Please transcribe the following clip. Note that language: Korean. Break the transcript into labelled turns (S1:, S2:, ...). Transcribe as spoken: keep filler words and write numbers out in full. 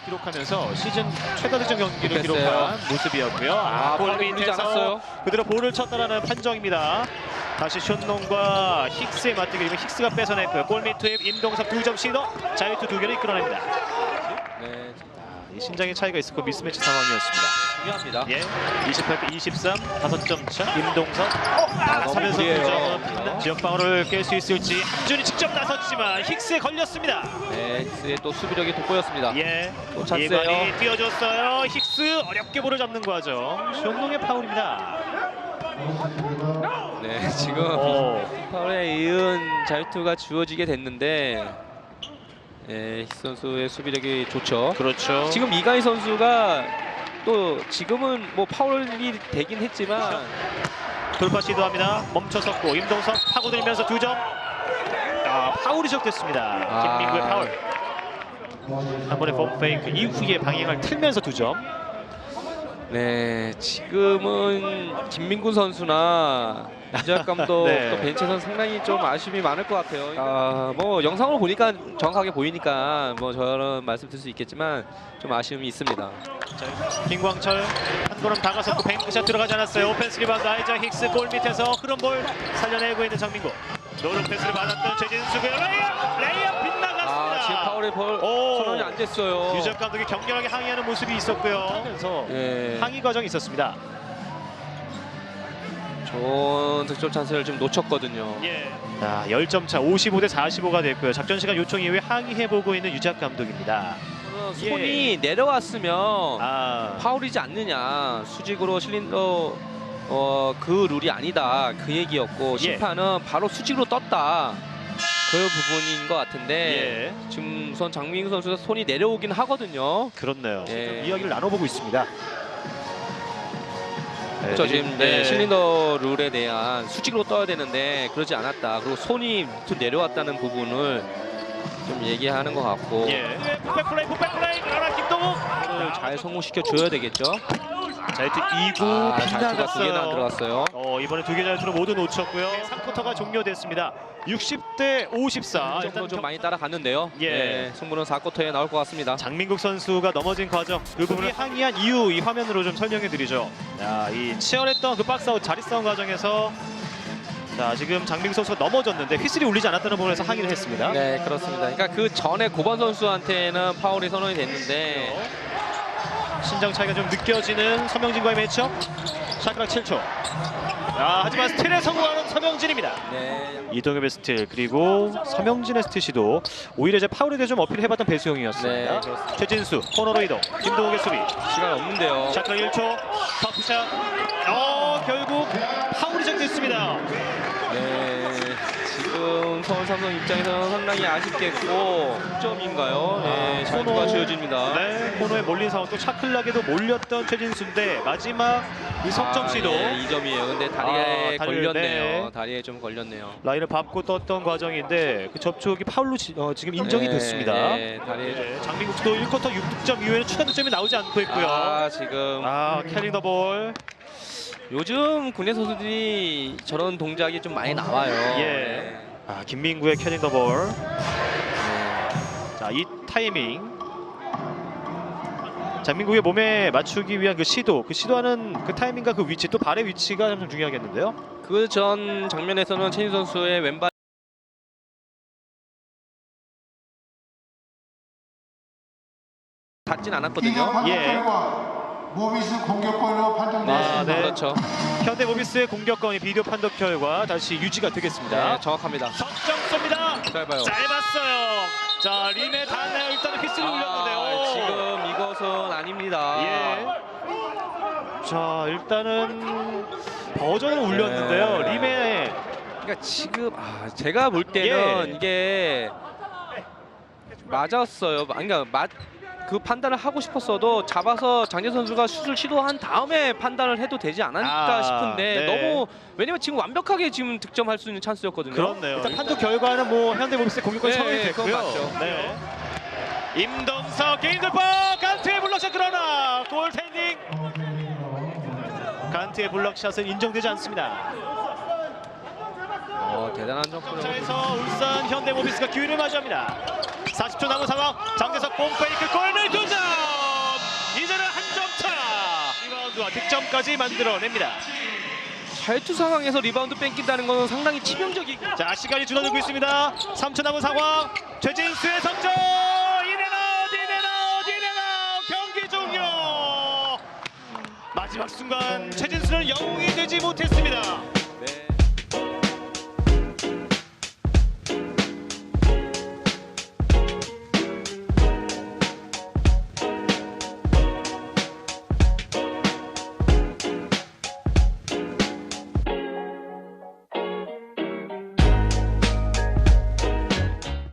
S1: 기록하면서 시즌 최다 득점 경기를
S2: 됐어요.
S1: 기록한 모습이었고요. 아,
S2: 아,
S1: 골
S2: 팔이 울리지
S1: 밑에서
S2: 않았어요.
S1: 그대로 볼을 쳤다라는 판정입니다. 다시 션농과 힉스의 맞대결. 힉스가 뺏어냈고요. 골밑 투입 임동섭 두 점 시도 자유투 두 개를 이끌어냅니다.
S2: 네,
S1: 이 신장의 차이가 있었고 미스매치 상황이었습니다.
S2: 중요합니다.
S1: 예, 이십팔 대 이십삼, 다섯 점 차. 임동섭 아,
S2: 너무
S1: 삼연속
S2: 무리해요.
S1: 두 점 지역 방어를 깰 수 있을지. 함준이 직접 나섰지만 힉스에 걸렸습니다.
S2: 네, 힉스의 또 수비력이 돋보였습니다.
S1: 예,
S2: 또 찬스예요.
S1: 이관이 뛰어줬어요. 힉스 어렵게 볼을 잡는 과정. 션농의 파울입니다.
S2: 네, 지금
S1: 오.
S2: 파울에 이은 자유투가 주어지게 됐는데, 네, 힉스 선수의 수비력이 좋죠.
S1: 그렇죠.
S2: 지금 이가희 선수가 또 지금은 뭐 파울이 되긴 했지만
S1: 돌파 시도합니다. 멈춰섰고 임동섭 파고들면서 두 점. 아, 파울이 시작됐습니다.
S2: 아.
S1: 김민구의 파울. 한 번의 폼 페이크 이후에 방향을 틀면서 두 점.
S2: 네, 지금은 김민구 선수나 유재학 감독
S1: 네.
S2: 또 벤치에서는 상당히 좀 아쉬움이 많을 것 같아요. 아, 뭐 영상으로 보니까 정확하게 보이니까 뭐 저런 말씀 드릴 수 있겠지만 좀 아쉬움이 있습니다.
S1: 자, 김광철 한 걸음 다가섰고 뱅크샷 들어가지 않았어요. 오펜스 리바운드 아이자 힉스 골 밑에서 흐름 볼 살려내고 있는 장민구. 노른 패스를 받았던 최진수고요. 레이업! 레이업 빗나갔습니다.
S2: 아, 지금 파울에 벌
S1: 오.
S2: 선언이 안 됐어요.
S1: 유재학 감독이 격렬하게 항의하는 모습이 있었고요. 하면서
S2: 예.
S1: 항의 과정이 있었습니다.
S2: 좋은 득점 찬스를 좀 놓쳤거든요.
S1: 예. 자, 십 점 차 오십오 대 사십오가 됐고요. 작전 시간 요청 이후에 항의해보고 있는 유재학 감독입니다.
S2: 손이 내려왔으면
S1: 아,
S2: 파울이지 않느냐, 수직으로 실린더 어, 그 룰이 아니다, 그 얘기였고,
S1: 예.
S2: 심판은 바로 수직으로 떴다, 그 부분인 것 같은데
S1: 예.
S2: 지금 우선 장민구 선수가 손이 내려오긴 하거든요.
S1: 그렇네요.
S2: 예.
S1: 이야기를 나눠보고 있습니다.
S2: 그렇죠. 지금 네,
S1: 네.
S2: 실린더 룰에 대한 수직으로 떠야 되는데 그러지 않았다, 그리고 손이 밑으로 내려왔다는 부분을 좀 얘기하는 것 같고,
S1: 예. 풋백 플레이, 풋백 플레이. 그러나 김동욱
S2: 그걸 잘 성공시켜 줘야 되겠죠.
S1: 자유투 이 구
S2: 아, 자유투가 두 개나 안
S1: 빗나갔어요.
S2: 들어갔어요.
S1: 어, 이번에 두 개 자유투를 모두 놓쳤고요. 삼 쿼터가 종료됐습니다. 육십 대 오십사.
S2: 이 정도 좀 많이 따라갔는데요.
S1: 예.
S2: 네, 승부는 사 쿼터에 나올 것 같습니다.
S1: 장민국 선수가 넘어진 과정, 그 부분을 항의한 이유 이 화면으로 좀 설명해 드리죠. 자, 이 치열했던 그 박스아웃 자리 싸움 과정에서 자, 지금 장민국 선수가 넘어졌는데 휘슬이 울리지 않았다는 부분에서 항의를 했습니다.
S2: 네, 그렇습니다. 그러니까 그 전에 고번 선수한테는 파울이 선언이 됐는데,
S1: 신장 차이가 좀 느껴지는 서명진과의 매치업. 샤크락 칠 초. 아, 하지만 스틸에 성공하는 서명진입니다.
S2: 네,
S1: 이동엽의 스틸, 그리고 서명진의 스틸 시도. 오히려 이제 파울에 대해 좀 어필해봤던 배수용이었습니다.
S2: 네, 그렇습니다.
S1: 최진수 코너로 이동. 김동욱의 수비.
S2: 시간 없는데요.
S1: 샤크락 일 초. 터프샷. 어, 결국 파울이 적됐습니다.
S2: 네, 지금 서울 삼성 입장에서는 상당히 아쉽겠고, 육 점인가요? 네, 자유투가 주어집니다.
S1: 네, 코너에 몰린 상황. 또 차클락에도 몰렸던 최진수인데 마지막 이 석점 시도.
S2: 아, 네, 이 점이에요. 근데 다리에
S1: 아, 다리를,
S2: 걸렸네요.
S1: 네.
S2: 다리에 좀 걸렸네요.
S1: 라인을 밟고 떴던 과정인데 그 접촉이 파울로 지, 어, 지금 인정이
S2: 네,
S1: 됐습니다.
S2: 네, 다리에 좀.
S1: 네, 장민국도 일 쿼터 육 득점 이후에는 추가 득점이 나오지 않고 있고요.
S2: 아, 지금
S1: 아, 캐링 더 볼.
S2: 요즘 국내 선수들이 저런 동작이 좀 많이 나와요.
S1: 예.
S2: 네.
S1: 아, 김민구의 캐링 더 볼.
S2: 네.
S1: 자, 이 타이밍. 장민국의 몸에 맞추기 위한 그 시도, 그 시도하는 그 타이밍과 그 위치, 또 발의 위치가 좀 중요하겠는데요.
S2: 그 전 장면에서는 최진 선수의 왼발 닿진 않았거든요.
S1: 예.
S3: 모비스 공격권으로 판정되었습니다.
S1: 아, 네.
S2: 그렇죠.
S1: 현대 모비스의 공격권이 비디오 판독 결과 다시 유지가 되겠습니다.
S2: 네, 정확합니다.
S1: 석점 쏩니다.
S2: 짧아요.
S1: 짧았어요. 자, 림에 닿나요? 일단은 휘슬이 울렸는데요.
S2: 아, 지금 이것은 아닙니다.
S1: 예. 자, 일단은 버전을 울렸는데요.
S2: 네.
S1: 림에.
S2: 그러니까 지금 아, 제가 볼 때는
S1: 예.
S2: 이게 맞았어요. 그러니까 맞. 그 판단을 하고 싶었어도 잡아서 장재 선수가 슛을 시도한 다음에 판단을 해도 되지 않았을까
S1: 아,
S2: 싶은데,
S1: 네.
S2: 너무, 왜냐면 지금 완벽하게 지금 득점할 수 있는 찬스였거든요.
S1: 그렇네요. 일단 판독 결과는 뭐 현대 모비스의 공격권이
S2: 네,
S1: 성립이
S2: 그건
S1: 됐고요.
S2: 맞죠.
S1: 네. 임동석 개인 돌파. 간트의 블럭샷, 그러나 골텐딩. 간트의 블럭샷은 인정되지 않습니다.
S2: 어, 대단한 점프를.
S1: 점차에서 울산 현대모비스가 기회를 맞이합니다. 사십 초 남은 상황. 장재석 bom페이크 골밑 두 점. 리바운드까지 만들어냅니다.
S2: 잘투 상황에서 리바운드 뺏긴다는 건 상당히 치명적이고.
S1: 자, 시간이 줄어들고 있습니다. 삼 초 남은 상황. 최진수의 석점. 인앤아웃, 인앤아웃, 인앤아웃. 경기 종료. 마지막 순간 최진수는 영웅이 되지 못했습니다.